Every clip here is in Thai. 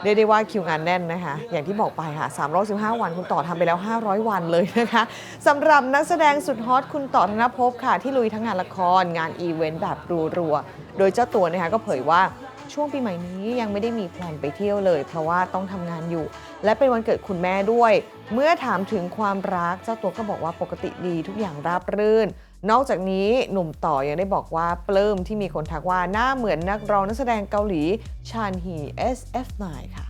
เรียกได้ว่าคิวงานแน่นนะคะอย่างที่บอกไปค่ะ315 วันคุณต่อทำไปแล้ว500 วันเลยนะคะสำหรับนักแสดงสุดฮอตคุณต่อธนภพค่ะที่ลุยทั้งงานละครงานอีเวนต์แบบรัวๆโดยเจ้าตัวนะคะก็เผยว่าช่วงปีใหม่นี้ยังไม่ได้มีแพลนไปเที่ยวเลยเพราะว่าต้องทำงานอยู่และเป็นวันเกิดคุณแม่ด้วยเมื่อถามถึงความรักเจ้าตัวก็บอกว่าปกติดีทุกอย่างราบรื่นนอกจากนี้หนุ่มต่อยังได้บอกว่าปลื้มที่มีคนทักว่าหน้าเหมือนนักร้องนักแสดงเกาหลีชานฮี SF9 ค่ะ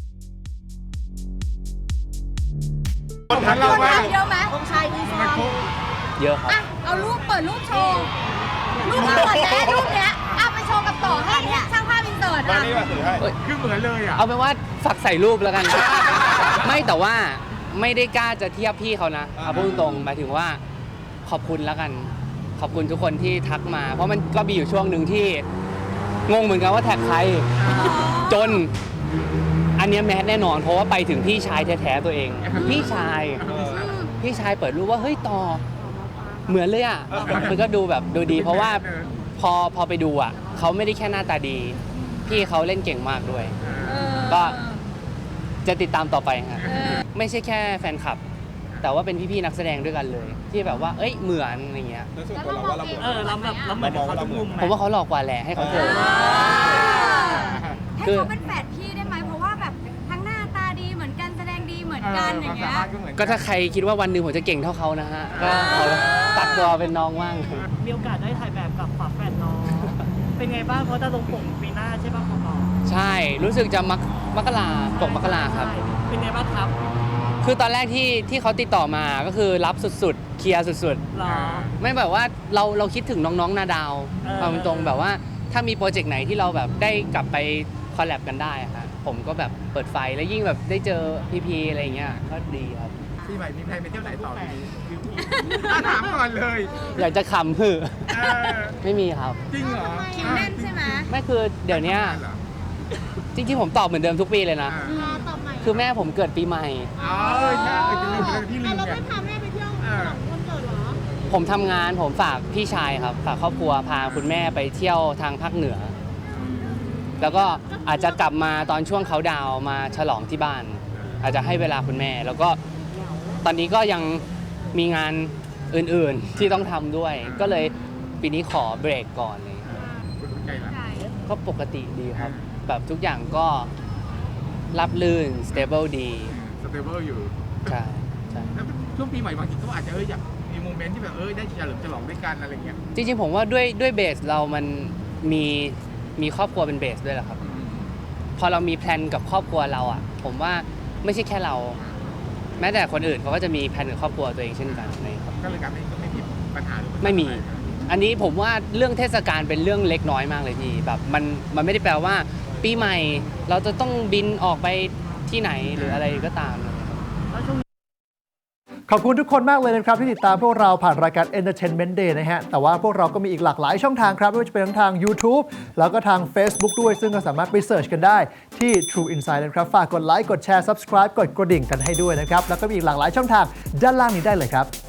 คนทักเยอะมากเยอะไหมองชายดีไซน์เยอะครับอ่ะเอารูปเปิดรูปโชว์รูปที่เปิดแล้วรูปเนี้ยเอาไปโชว์กับต่อให้ช่างภาพอินเสิร์ตมาอ่ะนี่มาถือให้คือเหมือนเลยอ่ะเอาเป็นว่าฝากใส่รูปแล้วกัน ไม่แต่ว่าไม่ได้กล้าจะเทียบพี่เขานะเอาพูดตรงๆหมายถึงว่าขอบคุณแล้วกัน ขอบคุณทุกคนที่ทักมา เพราะมันก็มีอยู่ช่วงหนึ่งที่งงเหมือนกันว่าแท็กใครจนอันเนี้ยแมสแน่นอนเพราะว่าไปถึงพี่ชายแท้ๆตัวเอง พี่ชายเปิดรูปว่าเฮ้ยต่อเหมือนเลยอ่ะมันก็ดูแบบดูดี เพราะว่าพอไปดูอ่ะเขาไม่ได้แค่หน้าตาดี พี่เขาเล่นเก่งมากด้วย ก็จะติดตามต่อไปครับไม่ใช่แค่แฟนคลับ แต่ว่าเป็นพี่ๆนักแสดงด้วยกันเลย ที่แบบว่าเอ้ยเหมือนอะไรเงี้ยแล้วส่วนตัวเราว่าเราเหมือนเราเหมือนเขาทุกมุมไหมผมว่าเขาหลอกกว่าแหละให้เขาเจอให้เขาเป็นแฝดพี่ได้ไหมเพราะว่าแบบทั้งหน้าตาดีเหมือนกันแสดงดีเหมือนกันอย่างเงี้ยก็ถ้าใครคิดว่าวันหนึ่งผมจะเก่งเท่าเขานะฮะก็ขอตัดตัวเป็นน้องว่างมีโอกาสได้ถ่ายแบบกับฝาแฝดน้อง เป็นไงบ้างเพราะจะลงปกปีหน้าใช่ป่ะของน้องใช่รู้สึกจะมกราปกมกราครับเป็นไงบ้างครับคือตอนแรกที่เขาติดต่อมาก็คือรับสุดๆเคลียร์สุดหรอๆไม่แบบว่าเราคิดถึงน้องๆนาดาวเอาตรงๆแบบว่าถ้ามีโปรเจกต์ไหนที่เราแบบได้กลับไปคอลแลบกันได้อะครับผมก็แบบเปิดไฟแล้วยิ่งแบบได้เจอพีอะไรอย่างเงี้ยก็ดีครับปีใหม่มีแพลนไปเที่ยวไหนต่อปีนี้ถามก่อนเลยอยากจะขำคือ ไม่มีครับจริงเหรอคิวแน่นใช่ไหมไม่คือเดี๋ยวเนี้ยจริงๆผมตอบเหมือนเดิมทุกปีเลยนะตอบใหม่คือแม่ผมเกิดปีใหม่อ๋อใช่จะลืมที่ลืมเราไงไม่พาแม่ไปเที่ยวหลังวันเกิดเหรอผมทำงานผมฝากพี่ชายครับ ฝากครอบครัวพาคุณแม่ไปเที่ยวทางภาคเหนือ แล้วก็อาจจะกลับมาตอนช่วงเขาดาวน์มาฉลองที่บ้าน อาจจะให้เวลาคุณแม่ แล้วก็ตอนนี้ก็ยังมีงานอื่นๆที่ต้องทำด้วย ก็เลยปีนี้ขอเบรกก่อนเลยคุณใจละก็ปกติดีครับ แบบทุกอย่างก็รับลื่น stable ดีสเตเบิลอยู่ใช่ใช่แล้วช่วงปีใหม่บางทีก็อาจจะอยากมีโมเมนต์ที่แบบได้เฉลิมฉลองด้วยกันอะไรเงี้ยจริงๆผมว่าด้วยเบสเรามันมีครอบครัวเป็นเบสด้วยแหละครับ พอเรามีแพลนกับครอบครัวเราอ่ะ ผมว่าไม่ใช่แค่เรา แม้แต่คนอื่นเขาก็จะมีแพลนกับครอบครัวตัวเองเช่นกันนะครับก็เลยกลายเป็นก็ไม่มีปัญหาหรือไม่มี อันนี้ผมว่าเรื่องเทศกาลเป็นเรื่องเล็กน้อยมากเลยพี่แบบมันไม่ได้แปลว่าปีใหม่เราจะต้องบินออกไปที่ไหนหรืออะไรก็ตามเลยขอบคุณทุกคนมากเลยนะครับที่ติดตามพวกเราผ่านรายการ Entertainment Day นะฮะแต่ว่าพวกเราก็มีอีกหลากหลายช่องทางครับไม่ว่าจะเป็นทั้งทาง YouTube แล้วก็ทาง Facebook ด้วยซึ่งก็สามารถไปเสิร์ชกันได้ที่ True Insight นะครับฝากกดไลค์กดแชร์ Subscribe กดกระดิ่งกันให้ด้วยนะครับแล้วก็มีอีกหลากหลายช่องทางด้านล่างนี้ได้เลยครับ